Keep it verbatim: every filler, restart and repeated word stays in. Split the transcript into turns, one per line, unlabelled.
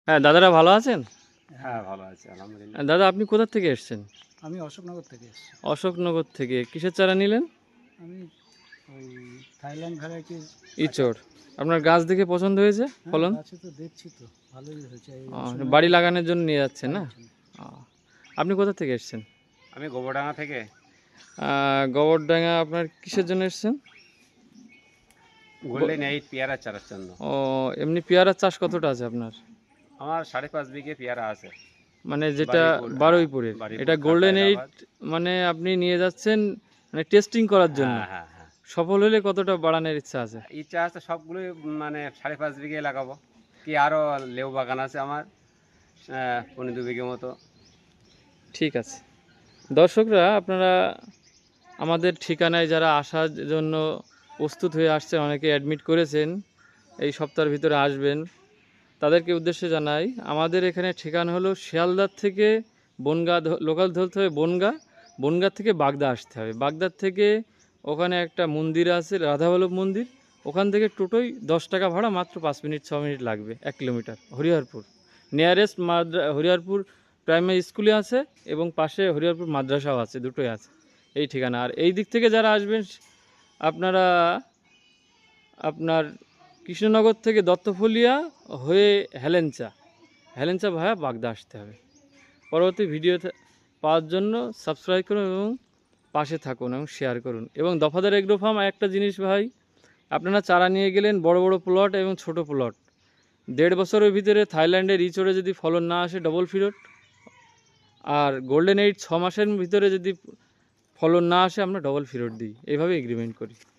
হ্যাঁ, দাদারা ভালো আছেন?
হ্যাঁ, ভালো আছি আলহামদুলিল্লাহ।
দাদা আপনি কোথা থেকে এসেছেন?
আমি অশোকনগর থেকে এসেছি।
অশোকনগর থেকে কিসের চারা নিলেন?
আমি ওই থাইল্যান্ড ভ্যারাইটির
ইচড়। আপনার গাছ দেখে পছন্দ হয়েছে ফলন?
আছে তো, দেখছি তো ভালোই হয়েছে। এই
ও,
সময়
বাড়ি লাগানোর জন্য নিয়ে যাচ্ছেন না?
বাড়ির জন্য।
ও, আপনি কোথা থেকে এসেছেন?
আমি গোবরডাঙ্গা থেকে।
আহ, গোবরডাঙ্গা আপনার কিসের জন্য এসেছেন?
গোল্ডেন এইট পেয়ারা চারার জন্য।
ও, এমনি পেয়ারার চাষ কতটা আছে আপনার?
আমার সাড়ে পাঁচ বিঘে পেয়ারা আছে।
মানে যেটা
বারুইপুর, হ্যাঁ,
বারুইপুরের,
বারুইপুর,
এটা
খাতা,
গোল্ডেন এইট,
এলাহাবাদ।
মানে আপনি নিয়ে যাচ্ছেন মানে টেস্টিং করার জন্য।
হ্যাঁ হ্যাঁ হ্যাঁ,
সফল হলে কতটা বাড়ানোর ইচ্ছা আছে?
ইচ্ছা আছে সবগুলোই মানে সাড়ে পাঁচ বিঘে লাগাবো। কি আরও লেবু বাগান আছে আমার, আহ, পনেরো দু বিঘে মতো।
ঠিক আছে। দর্শকরা, আপনারা আমাদের ঠিকানায় যারা আসার জন্য প্রস্তুত হয়ে আসছেন, অনেকে অ্যাডমিট করেছেন, এই সপ্তাহের ভিতরে আসবেন, তাদেরকে উদ্দেশ্যে জানাই আমাদের এখানে ঠিকানা হলো শিয়ালদার থেকে বনগাঁ, লোকাল ধরতে হবে বনগাঁ, বনগাঁ থেকে বাগদা আসতে হবে। বাগদার থেকে ওখানে একটা মন্দির আছে রাধাবল্লভ মন্দির, ওখান থেকে টোটোই দশ টাকা ভাড়া, মাত্র পাঁচ মিনিট ছ মিনিট লাগবে, এক কিলোমিটার। হরিহরপুর নিয়ারেস্ট মাদ্রা হরিহরপুর প্রাইমারি স্কুলে আছে এবং পাশে হরিহরপুর মাদ্রাসাও আছে, দুটোই আছে এই ঠিকানা। আর এই দিক থেকে যারা আসবেন আপনারা, আপনার কৃষ্ণনগর থেকে দত্তফলিয়া হয়ে হেলেঞ্চা, হেলেঞ্চা ভায়া বাগদা আসতে হবে। পরবর্তী ভিডিও পাওয়ার জন্য সাবস্ক্রাইব করুন এবং পাশে থাকুন এবং শেয়ার করুন। এবং দফাদার এগ্রো ফার্ম একটা জিনিস ভাই, আপনারা চারা নিয়ে গেলেন বড় বড় প্লট এবং ছোট প্লট, দেড় বছরের ভিতরে থাইল্যান্ডের ইচড়ে যদি ফলন না আসে ডবল ফিরত, আর গোল্ডেন এইট ছ মাসের ভিতরে যদি ফলন না আসে আমরা ডবল ফিরত দিই, এইভাবে এগ্রিমেন্ট করি।